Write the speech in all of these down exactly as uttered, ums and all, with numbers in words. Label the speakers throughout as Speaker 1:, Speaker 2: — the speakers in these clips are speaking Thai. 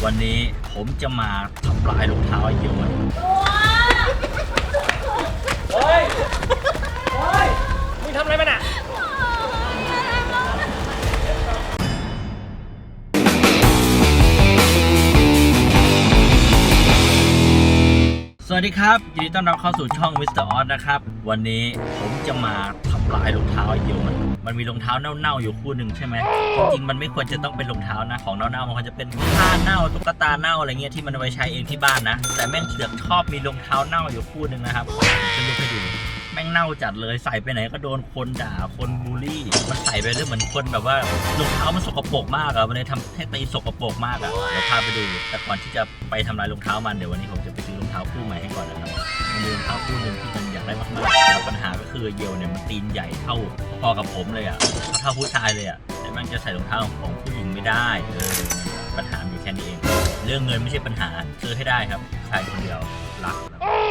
Speaker 1: วันนี้ผมจะมาทำลายรองเท้าไอ้เหี้ยมันเฮ้ยเฮ้ยมึงทำอะไรมันอ่ะสวัสดีครับยินดีต้อนรับเข้าสู่ช่องมิสเตอร์ออสนะครับวันนี้ผมจะมาทำลายรองเท้าไอ้เหี้ยมันมันมีรองเท้าเน่าๆอยู่คู่หนึ่งใช่ไหมจริงๆมันไม่ควรจะต้องเป็นรองเท้านะของเน่าๆมันควรจะเป็นผ้าเน่าตุ๊กตาเน่าอะไรเงี้ยที่มันเอาไปใช้เองที่บ้านนะแต่แม่งเสือกชอบมีรองเท้าเน่าอยู่คู่หนึ่งนะครับจะดูให้ดูแม่งเน่าจัดเลยใส่ไปไหนก็โดนคนด่าคนบูลลี่มันใส่ไปเรื่องเหมือนคนแบบว่ารองเท้ามันสกปรกมากอะมันเลยทำให้ตีสกปรกมากอะเดี๋ยวพาไปดูแต่ก่อนที่จะไปทำลายรองเท้ามันเดี๋ยววันนี้ผมจะไปซื้อรองเท้าคู่ใหม่ให้ก่อนนะครับมันมีรองเท้าคู่หนึ่งที่มันอยากได้มากๆแต่ปัญหาก็คือเยลเนี่ยมันตีนใหญ่เท่าพอกับผมเลยอะเท่าผู้ชายเลยอะแต่มันจะใส่รองเท้าของผู้หญิงไม่ได้เออปัญหาอยู่แค่นี้เองเรื่องเงินไม่ใช่ปัญหาซื้อให้ได้ครับชายคนเดียวรัก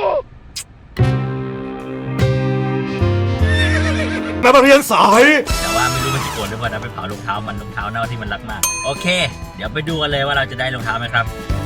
Speaker 2: นักเรียนสาย
Speaker 1: แต่ว่าไม่รู้มันจะโกรธหรือเปล่านะไปเผารองเท้ามันรองเท้าเน่าที่มันรักมากโอเคเดี๋ยวไปดูกันเลยว่าเราจะได้รองเท้าไหมครับ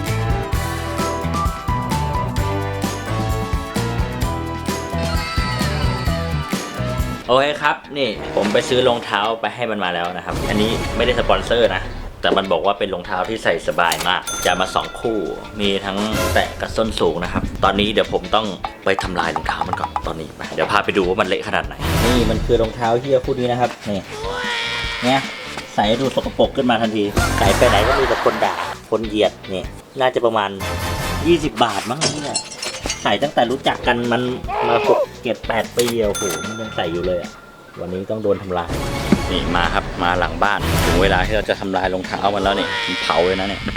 Speaker 1: โอเคครับนี่ผมไปซื้อรองเท้าไปให้มันมาแล้วนะครับอันนี้ไม่ได้สปอนเซอร์นะแต่มันบอกว่าเป็นรองเท้าที่ใส่สบายมากจะมาสองคู่มีทั้งแตะกับส้นสูงนะครับตอนนี้เดี๋ยวผมต้องไปทำลายรองเท้ามันก่อนตอนนี้ไปเดี๋ยวพาไปดูว่ามันเละขนาดไหนนี่มันคือรองเท้าเฮียคู่นี้นะครับนี่เนี่ยใส่ดูสกปรกขึ้นมาทันทีใส่ไปไหนก็มีแต่คนด่าคนเหยียดนี่น่าจะประมาณยี่สิบบาทมั้งเนี่ยใส่ตั้งแต่รู้จักกันมันมาหกเจ็ดแปดปีโอ้โหมันยังใส่อยู่เลยอ่ะวันนี้ต้องโดนทำลายนี่มาครับมาหลังบ้านถึงเวลาที่เราจะทำลายรองเท้ามันแล้วนี่มันเผาเลยนะเนี่ย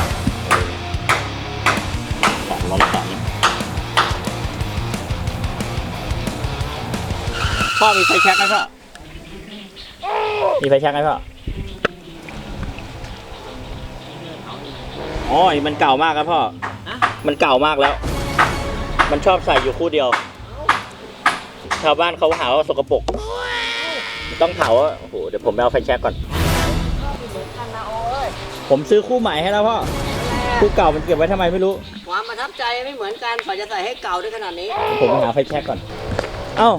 Speaker 1: สองลองสองพ่อมีไฟแช็กไหมพ่อมีไฟแช็กไหมพ่ออ๋อมันเก่ามากครับพ่อมันเก่ามากแล้วมันชอบใส่อยู่คู่เดียวชาวบ้านเขาหาว่าสกปรกต้องเผาอ่ะโอ้โหเดี๋ยวผมไปเอาไฟแช็กก่อนผมซื้อคู่ใหม่ให้แล้วพ่อคู่เก่ามันเก็บไว้ทำไมไม่รู้
Speaker 3: ความประทับใจไม่เหมือนกันกว่าจะใส่ให้เก่าได้ขนาดนี้
Speaker 1: ผมไปหาไฟแช็กก่อนเอ้า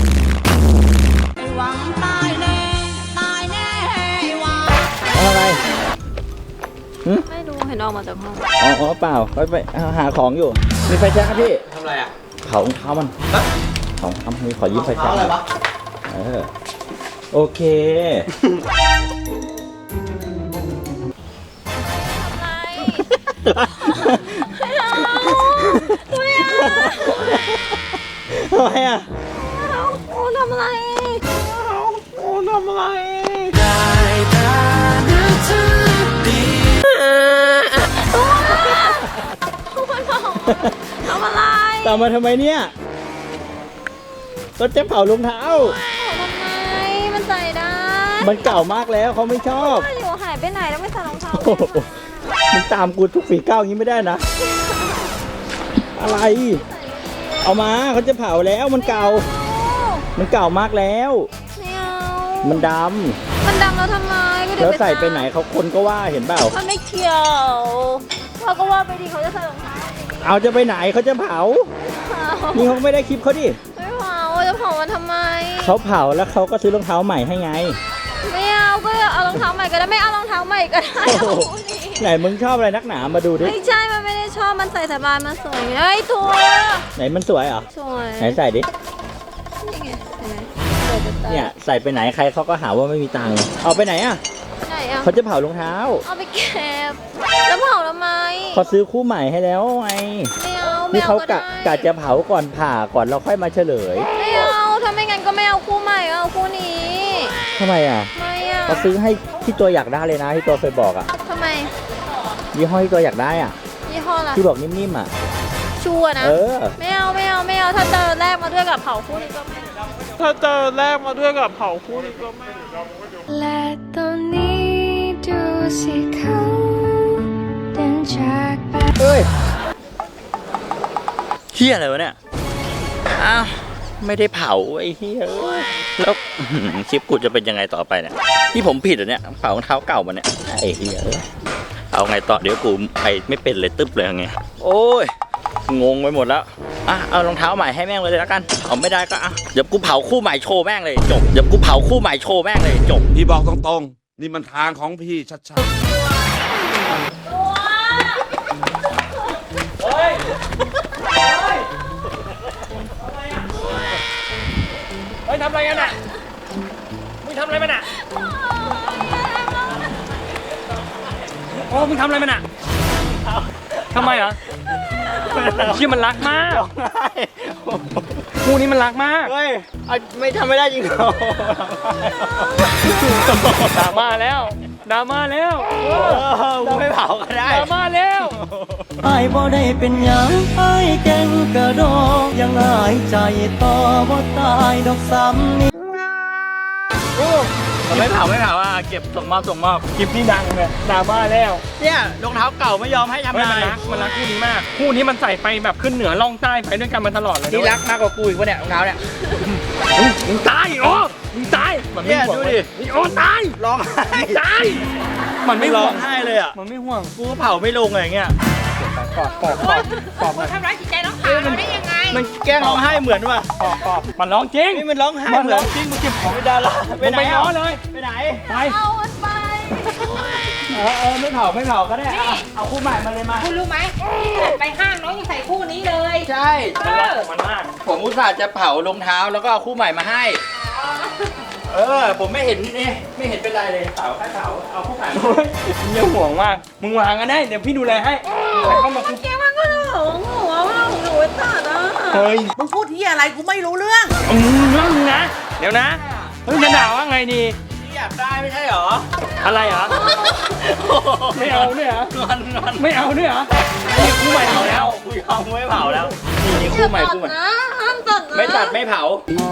Speaker 3: หวังตายแน่ตายแน่หวัง
Speaker 1: อะไร
Speaker 4: ไม่รู้เห็นออกมาจากห้อง
Speaker 1: อ๋อเปล่าไปไปหาของอยู่มีไฟแช็กครับพี่
Speaker 3: ทำอะไรอ่ะ
Speaker 1: เผารองเท้ามันของทำมีขอยืมไฟแช็กอะไรวะเออโอเคทำไมอ่ะ
Speaker 4: โอ้ทำอะไร
Speaker 1: โอ้ทำอะไร
Speaker 4: ได้แต่นึกถึงดีทำอะไร
Speaker 1: ตามมาทำไมเนี่ยก็จะเผารองเท้า
Speaker 4: ทำไมมันใส่ได้
Speaker 1: มันเก่ามากแล้วเขาไม่ชอบ
Speaker 4: อยู่หายไปไหนแล้วไม่ใส่รองเท้า
Speaker 1: มึงตามกูทุกฝีก้าวอย่างนี้ไม่ได้นะอะไรเอามาเขาจะเผาแล้วมันเก่ามันเก่ามากแล้ว
Speaker 4: ไม่เอา
Speaker 1: มันด
Speaker 4: ำมันดำแล้วทำไม
Speaker 1: แล้วใส่ไปไหนเขาคนก็ว่าเห็นเปล่า
Speaker 4: มันไม่เกี่ยวเขาก็ว่าไปดีเขาจะใส่รองเท้า
Speaker 1: เอาจะไปไหนเขาจะเผานี่เขาไม่ได้คลิปเขาดิ
Speaker 4: ไม่เผาจะเผามันทำไม
Speaker 1: เขาเผาแล้วเขาก็ซื้อรองเท้าใหม่ให้ไง
Speaker 4: ไม่เอาก็เอารองเท้าใหม่ก็ได้ไม่เอารองเท้าใหม่ก็ได้
Speaker 1: ไหนมึงชอบอะไรนักหนามาดูดิ
Speaker 4: ไม่ใช่มันไม่ได้ชอบมันใส่สบายมันสวยไงตัว
Speaker 1: ไหนมันสวยเหรอ
Speaker 4: สวย
Speaker 1: ไหนใส่ดิ
Speaker 4: นี่ไงเห็นไหม
Speaker 1: เนี่ยใส่ไปไหนใครเขาก็หาว่าไม่มีตังค์เอาไปไหนอ่ะ
Speaker 4: ไหนอ่ะ
Speaker 1: เขาจะเผารองเท้า
Speaker 4: เอาไปเก็บแล้วเผาทำไม
Speaker 1: เขาซื้อคู่ใหม่ให้แล้วไง
Speaker 4: ไม่เอา
Speaker 1: นี่เขากะกะจะเผาก่อนผ่าก่อนเราค่อยมาเฉลย
Speaker 4: ไม่เอาถ้าไม่งั้นก็ไม่เอาคู่ใหม่เอาคู่นี้
Speaker 1: ทำไมอ่ะ
Speaker 4: ไม่อ่ะ
Speaker 1: เขาซื้อให้ที่ตัวอยากได้เลยนะที่ตัวเคยบอกอ่ะ
Speaker 4: ทำไม
Speaker 1: ยี่ห้อที่ตัวอยากได้อ่ะ
Speaker 4: ยี่ห้ออะไร
Speaker 1: ที่บอกนิ่มๆอ่ะ
Speaker 4: ชัวนะไม่เอาไม่เอาไม่เอาถ้าเจอแรกมาด้วยกับเผาคู่นี้ก็ไม่
Speaker 5: ถ้าเจอแรกมาด้วยกับเผาคู่นี้ก็ไม่
Speaker 4: และตอนนี้ดูสิเขาเดินจากไป
Speaker 1: เฮ้ยเฮียอะไรวะเนี่ยอ้าวไม่ได้เผาไอ้เฮียแล้วคลิปกูจะเป็นยังไงต่อไปเนี่ยที่ผมผิดเหรอเนี่ยเผารองเท้าเก่ามาเนี่ยไอ้เฮียเอาไงต่อเดี๋ยวกูไปไม่เป็นเลยตึ๊บเลยไงโอ้ยงงไปหมดแล้วอ่ะเอารองเท้าใหม่ให้แม่งเลยแล้วกันเผาไม่ได้ก็อ่ะเดี๋ยวกูเผาคู่ใหม่โชว์แม่งเลยจบเดี๋ยวกูเผาคู่ใหม่โชว์แม่งเลยจบ
Speaker 2: พี่บอกตรงๆ นี่มันทางของพี่ชัด
Speaker 6: เฮ้ยทำอะไรกันอ่ะมึงทำอะไรมันอ่ะโอ้มึงทำอะไรมันอ่ะทำไมเหรอชื่อมันรักมากคู่นี้มันรักมาก
Speaker 1: เฮ้ยไม่ทำไม่ได้จริงเหรอ
Speaker 6: ดราม่าแล้วดราม่าแล้ว
Speaker 1: กูไม่เผาก็ได้
Speaker 6: ดราม่าแล้ว
Speaker 7: ไอ้บ่ได้เป็นหยังไอ้เก่งกระโดดยังหายใจต่อบ่ตายดอกซ้ำนี่
Speaker 1: ไม่เผาไม่เผาอ่ะเก็บส่งมอบส่งมอบ
Speaker 6: คลิปที่ดังเลยดราม่าแล้ว
Speaker 1: เนี่ยรองเท้าเก่าไม่ยอมให้ทำ
Speaker 6: เฮ้ย
Speaker 1: ลา
Speaker 6: มัน
Speaker 1: ย
Speaker 6: รักมันรักคู่นี้มากคู่นี้มันใส่ไปแบบขึ้นเหนือล่องใต้ไปด้วยกันมาตลอดเลย
Speaker 1: นี่รักมากกว่ากูอีกวะเนี่ยรองเท้าเนี่ย
Speaker 6: มึงตายโอ้มึงตายมันไม่ห่วง
Speaker 1: เนี่ยดูดิ
Speaker 6: นี่โอ้ตาย
Speaker 1: ร้องไห้
Speaker 6: ตายมันไม่ห่
Speaker 1: ร้อ
Speaker 6: ว
Speaker 1: ง
Speaker 6: ง
Speaker 1: ไห้เลยอ่ะ
Speaker 6: มันไม่ห่วง
Speaker 1: กูก็เผาไม่ลงอะไรเงี้ย
Speaker 6: ปอบปอบปอบปอบมัน
Speaker 3: ทำร้ายจิตใจน้องสาวเราได้ยังไง
Speaker 1: มันแกล้งร้องไห้เหมือนว่ะ
Speaker 6: ปอบปอบมันร้องจริง
Speaker 1: นี่มันร้องไห้
Speaker 6: มัน
Speaker 1: เหมื
Speaker 6: ร้
Speaker 1: อ
Speaker 6: อน งจริงมึงเก็บของ
Speaker 1: ไม่ได้ละ
Speaker 6: ไปไหนล้อเลย
Speaker 1: ไปไหน
Speaker 6: ไป
Speaker 3: เอามันไป
Speaker 1: เออเออไม่เผาไม่เผาก็ได้อ่ะเอาคู่ใหม่มาเลยมา
Speaker 3: คุณรู้ไหมไปห้างน้องยังใส่คู่นี้เลย
Speaker 1: ใช่
Speaker 6: มันรักของมันมาก
Speaker 1: ผมอุตส่าห์จะเผารองเท้าแล้วก็เอาคู่ใหม่มาให้ เออ ผมไม่เห็นนี่ไม่เห็นเป็นไรเลยเผาแค่เผาเอาคู่ใหม่มา
Speaker 6: โอ้ยมึงอย่าห่วงมากมึงวางกันได้เดี๋ยวพี่ดูแลให้แต่เข้ามาคุย
Speaker 3: แกมันก็หลงหัวว่าหนูไว้ตัดอ่ะ
Speaker 6: เฮ้ย
Speaker 8: มึงพูดที่อะไรกูไม่รู้เรื่อง
Speaker 6: อืมเรื่องนึงนะเดี๋ยวนะเฮ้ยจะด่าว่าไงดี
Speaker 1: ที่อยากได้ไม่ใช่หรอ
Speaker 6: อะไรเหรอไม่เอาด้วยเหรอง
Speaker 1: อนงอน
Speaker 6: ไม่เอาด้วยเหรอนี่คู่ใหม่เอาแล้ว
Speaker 1: กูยอมไม่เผาแล้วนี่นี่คู่ใหม่คู่ใหม่
Speaker 3: นะห้ามตัดนะ
Speaker 1: ไม่ตัดไม่เผา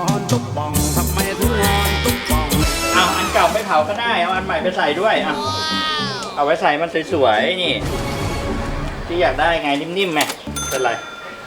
Speaker 1: เอาอันเก่าไม่เผาก็ได้เอาอันใหม่ไปใส่ด้วยอ่ะเอาไว้ใส่มันสวยๆนี่ ที่อยากได้ไงนิ่มๆไหมเป็นไร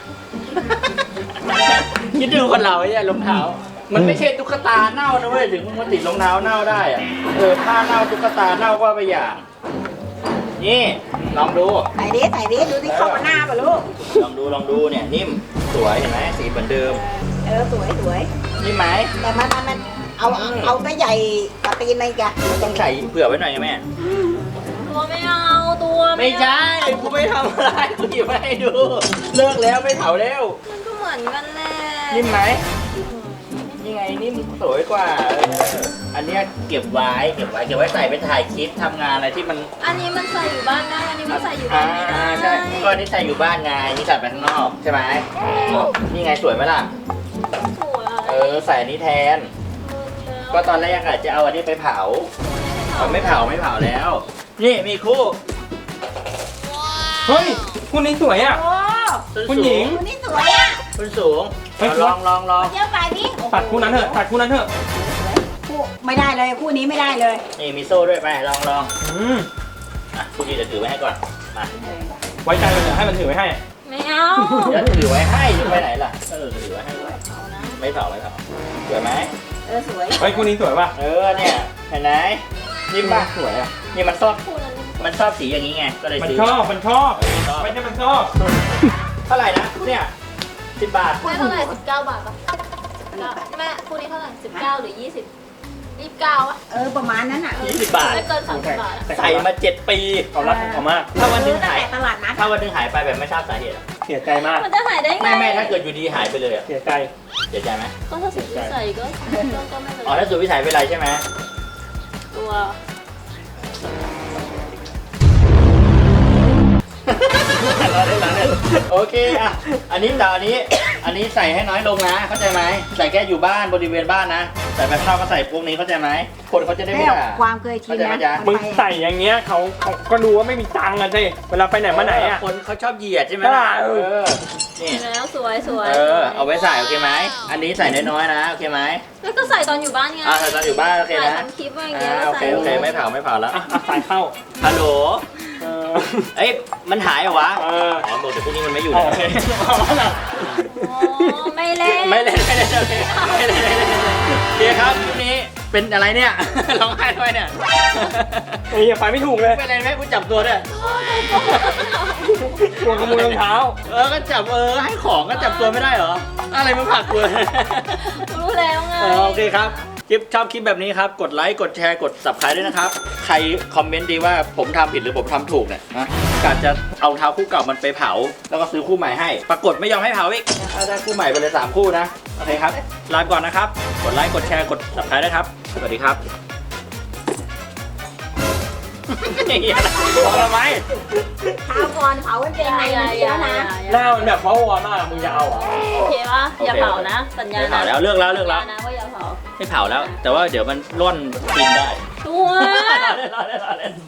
Speaker 1: คิดดูคนเราไอ้เนี่ยรองเท้า มันไม่ใช่ตุ๊กตาเน่านะเว้ยถึงมันติดรองเท้าเน่าได้อะเออผ้าเน่าตุ๊กตาเน่าก็ไปอย่างนี่ลองดู
Speaker 8: ไหนดิไหนดิดูที่เข้ามาหน้าป่ะลูก
Speaker 1: ลองดูลองดูเนี่ยนิ่มสวยเห็นไหมสีเหมือนเดิม
Speaker 8: เออสวยสวย
Speaker 1: นิ่มไหม
Speaker 8: แต่มันมันมันเอาเอาเอาก็ใหญ่กว่าตีนเลยจ้ะ
Speaker 1: ต้องใส่เผื่อไว้หน่อยนะแม่
Speaker 3: ตัวไม่เอาตัว
Speaker 1: ไม่ใช่กูไม่ทำอะไรกูหยิบมาให้ดู เลิกแล้วไม่เผาแล้ว
Speaker 3: มันก็เหมือนกันแหละ
Speaker 1: นิ่มไหมนี่ไงนิ่มสวยกว่าเอออันเนี้ยเก็บไว้เก็บไว้เก็บไว้ใส่ไปถ่ายคลิปทำงานอะไรที่มัน
Speaker 3: อันนี้มันใส่อยู่บ้านได้อันนี้มันใส่อยู่บ้า
Speaker 1: อ่าน
Speaker 3: ไม่ได้
Speaker 1: ใช่ก็อันนี้ใส่อยู่บ้านไงนี่ใส่ไปข้างนอกใช่ไหมนี่ไงสวยไหมล่ะ
Speaker 3: สวย
Speaker 1: เออใส่อันนี้แทน ก็ตอนแรกอาจจะเอาอันนี้ไปเผาเอาไม่เผาไม่เผาแล้ว นี่มีคู่
Speaker 6: เฮ้ยคู่นี้สวยอ่ะ
Speaker 8: โอ้
Speaker 1: ส้น
Speaker 6: คุณ
Speaker 1: สู
Speaker 6: หญิง
Speaker 8: คนนี้สวยอ่ะ
Speaker 1: ส้นสูง
Speaker 6: เฮ้ย
Speaker 1: เอาลองลองลอง
Speaker 8: เจ้าฝ่ายนี้
Speaker 6: ตัดคู่นั้นเถอะตัดคู่นั้นเถอะ
Speaker 8: คู่ไม่ได้เลยคู่นี้ไม่ได้เลย
Speaker 1: นี่มีโซ่ด้วยไปลองลอง
Speaker 6: อืม
Speaker 1: อ่ะคู่นี้เดี๋ยวถือไว้ให้ก่อนมา
Speaker 6: ไว้ใจมันเถอะให้มันถือไว้ให้
Speaker 3: ไม่เอา
Speaker 1: เดี๋ยวถือไว้ให้จะไปไหนล่ะเออถือไว้ให้ไว้ไม่เผาไม่เผาสวยไหม
Speaker 8: เออสวย
Speaker 6: เฮ้ยคู่นี้สวยป่ะ
Speaker 1: เออเนี่ยเห็นไหมนิ่มป่ะ
Speaker 6: สวยอ่ะ
Speaker 1: นี่มันชอบ
Speaker 3: คู่นั้น
Speaker 1: มันชอบสีอย่างนี้ไงก็เลย
Speaker 6: มัน
Speaker 1: ซื้อ
Speaker 6: ชอบมันชอบ
Speaker 1: ชอบ
Speaker 6: ไม่ใช่มันชอบ
Speaker 1: เท่าไหร่นะเนี่ยสิบบาท
Speaker 3: แม่เท่าไหร่สิบเก้าบาทปะแม่คู่นี้เท่าไหร่สิบเก้าหรือยี่สิบยี่สิบเก้าอะ
Speaker 8: เออประมาณนั้นอ่ะ
Speaker 1: ยี่สิบบาท
Speaker 3: ไม่เกินสามสิบบาทอะ
Speaker 1: ใส่มาเจ็ดปี
Speaker 6: เขารักของเขามาก
Speaker 1: ถ้าวันหนึง
Speaker 8: ตั้ง
Speaker 1: หาย
Speaker 8: แต่ตลาดนัด
Speaker 1: ถ้าวันหนึงหายไปแบบไม่ทราบสาเหตุอะ
Speaker 6: เสียใจมาก
Speaker 3: มันจะหายได้ไง
Speaker 1: ไม่ไม่ถ้าเกิดอยู่ดีหายไปเลยอะ
Speaker 6: เสียใจ
Speaker 1: เสียใจไหม
Speaker 3: ก็ถ้าสุดวิสัยก็ก็ก็ไม่เป็น
Speaker 1: อ๋อ
Speaker 3: ไร
Speaker 1: ถ้าสุดวิสัยเป็นไรใช่ไหม
Speaker 3: ตัว
Speaker 1: เราได้แล้วเนี่ยโอเคอ่ะอันนี้แต่อันนี้ อันนี้ใส่ให้น้อยลงนะ เข้าใจไหมใส่แค่อยู่บ้านบริเวณบ้านนะใส่ไปข้างนอกก็ใส่พวกนี้เข้าใจไหมคนเขาจะได้ไม่
Speaker 8: แล้ว
Speaker 1: ด่า
Speaker 8: ความเคยชิน
Speaker 1: เข้าใจไหม
Speaker 8: นะ
Speaker 1: จ๊ะ
Speaker 6: มึงใส่อย่างเงี้ยเขาเขาก็รู้ว่าไม่มีตังค์อะสิเวลาไปไหนมาไหนอ่ะ
Speaker 1: คนเขาชอบเหยียดใช่ไหม
Speaker 6: ใช่
Speaker 1: ล่ะ
Speaker 6: เอ
Speaker 1: เอ
Speaker 6: อ
Speaker 1: อนี่
Speaker 3: แล้วสวยสวย
Speaker 1: เออเอาไว้ใส่โอเคไหมอันนี้ใส่น้อยๆนะโอเคไหม
Speaker 3: แล้วก็ใส่ตอนอยู่บ้านไง
Speaker 1: อ่าใส่ตอนอยู่บ้านโอเค
Speaker 3: ถ่าย
Speaker 1: นะ
Speaker 3: ทำคลิปอะไรอย่างเงี้
Speaker 1: อ่าย โอเค
Speaker 3: ใส่
Speaker 1: โอเคไม่เผาไม่เผาแล้ว
Speaker 6: อ่ะอ่ะสายเข้า
Speaker 1: ฮัลโหล
Speaker 6: เออ
Speaker 1: เอ้ยมันหายเหรอวะ
Speaker 6: เออ
Speaker 1: อ๋อบอกแต่พวกนี้มันไม่อยู่
Speaker 6: โอ
Speaker 1: แล้ว
Speaker 6: เคเอาแล้วล่ะ
Speaker 3: โอ้ไม่เล่น
Speaker 1: ไม่เล่นไม่เล่นโอเคไม่เล่นไม่เล่นโอเคครับคลิปนี้เป็นอะไรเนี่ย ร้องไห้ทำไมเนี่ย
Speaker 6: ไอ้เหี้ยไปไม่ถูกเลย
Speaker 1: เป็นอะไรไหมกูจับตัวด้วย
Speaker 6: โดนขโมยรองเท้า
Speaker 1: เออ ก็จับเออ ให้ของก็จับตัวไม่ได้เหรอ อะไรมาผลักกู
Speaker 3: รู้แล้วไง
Speaker 1: เออโอเคครับ คลิปชอบคลิปแบบนี้ครับ กดไลค์ กดแชร์ กด ซับสไครบ์ ด้วยนะครับ ใครคอมเมนต์ดีว่าผมทำผิดหรือผมทำถูกเนี่ยนะกะจะเอาเท้าคู่เก่ามันไปเผา แล้วก็ซื้อคู่ใหม่ให้ ปรากฏไม่ยอมให้เผาอีกถ้าได้คู่ใหม่ไปเลยสามคู่นะ โอเคครับ ลาไปก่อนนะครับ กดไลค์ กดแชร์ กด ซับสไครบ์ ด้วยครับ สวัสดีครับ เหี้ยพอแล้วไหม
Speaker 8: เท้าก่อนเผามันเป็นไงมันดีแล้วนะ
Speaker 6: หน้ามันแบบเพราะวอมากมึงจะเอาเหรอ
Speaker 3: โอเคปะอย่าเผานะ สัญญา
Speaker 1: ไม่
Speaker 3: นะ
Speaker 1: เผาแล้วเลิกแล้วเลิกแล้ว
Speaker 3: สัญญานะว่าอย่าเผา
Speaker 1: ไม่เผาแล้ว แต่ว่าเดี๋ยวมันร่อนกินได้
Speaker 3: ตัว
Speaker 1: เล่นเล่นเล่น